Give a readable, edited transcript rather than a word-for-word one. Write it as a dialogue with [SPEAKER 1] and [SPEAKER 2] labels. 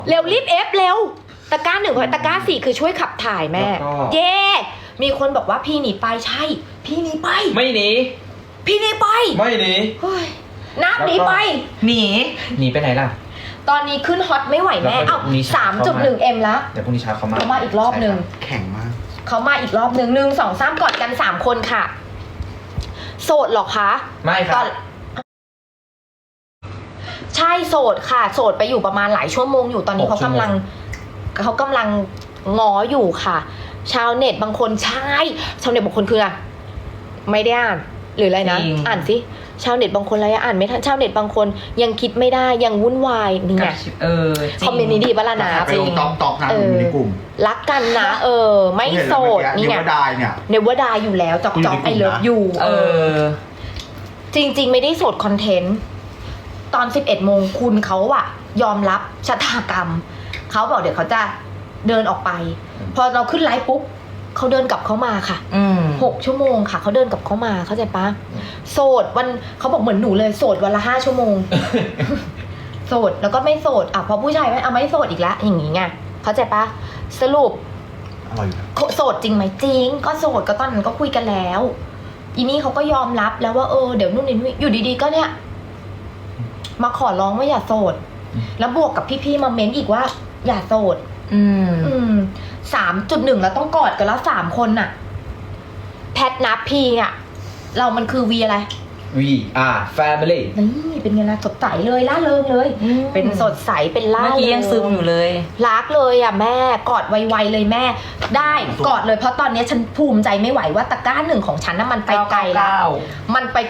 [SPEAKER 1] เร็วรีบเอฟเร็วตะกร้า1ตะกร้า4คือช่วยขับถ่ายแม่เย่มีคนบอกว่าพี่หนีไปใช่พี่หนีไป
[SPEAKER 2] ไม่หนี
[SPEAKER 1] พี่หนีไป
[SPEAKER 2] ไม่หนี
[SPEAKER 1] นับหนีไป
[SPEAKER 3] หนี
[SPEAKER 2] ไปไหนล่ะ
[SPEAKER 1] ตอนนี้ขึ้นฮอตไม่ไหวแม่เอ้า 3.1M แล้ว
[SPEAKER 2] เดี๋ยวพรุ่งนี้เช้าเขา
[SPEAKER 1] มาอีกรอบนึง
[SPEAKER 3] แข็งมาก
[SPEAKER 1] เขามาอีกรอบนึง1 2 3กอดกัน3คนค่ะโสดหรอคะ
[SPEAKER 2] ไม่ครับ
[SPEAKER 1] ใช่โสดค่ะโสดไปอยู่ประมาณหลายชั่วโมงอยู่ตอนนี้เขากำลังง้ออยู่ค่ะชาวเน็ตบางคนใช่ชาวเน็ตบางคนคืออะไม่ได้อ่านหรืออะไรนะอ่านสิชาวเน็ตบางคนอะไรอ่านไม่ทันชาวเน็ตบางคนยังคิดไม่ได้ยังวุ่นวายนี่ไงคอมเมนต์นี้ดีปะล่ะนะ
[SPEAKER 3] ไปลงตอกนะในกลุ่ม
[SPEAKER 1] รักกันนะไม่โสดนี่ไงเนวดาอยู่แล้วจอกไอเลิฟอยู่จริงๆไม่ได้โสดคอนเทนต์ตอน 11 โมงคุณเขาอะยอมรับชะตากรรมเขาบอกเดี๋ยวเขาจะเดินออกไปพอเราขึ้นไลฟ์ปุ๊บเขาเดินกลับเข้ามาค่ะ6 ชั่วโมงค่ะเขาเดินกลับเข้ามาเข้าใจปะโสดวันเขาบอกเหมือนหนูเลยโสดวันละ5 ชั่วโมงโสดแล้วก็ไม่โสดพอผู้ชายไม่โสดอีกแล้วอย่างงี้ไงเข้าใจปะสรุปโสดจริงไหมจริงก็โสดก็ตอนนั้นก็คุยกันแล้วอีนี่เขาก็ยอมรับแล้วว่าเดี๋ยวนู่นนี่อยู่ดีๆก็เนี่ยมาขอร้องว่าอย่าโสดแล้วบวกกับพี่ๆมาเม้นอีกว่าอย่าโสด3.1แล้วต้องกอดกันแล้ว3 คนน่ะแพทนับพีอ่ะเรามันคือวีอะไร
[SPEAKER 2] Family
[SPEAKER 1] นี่เป็นไงล่ะสดใสเลยล่าเริงเลยเป็นสดใสเป็นล่าเริง
[SPEAKER 3] เมื่อกี้ยังซึมอยู่เลย
[SPEAKER 1] รักเลยอ่ะแม่กอดไวๆเลยแม่ได้กอดเลยเพราะตอนนี้ฉันภูมิใจไม่ไหวว่าตะกร้า1ของฉันน่ะมันไปไกลแล้วมันไป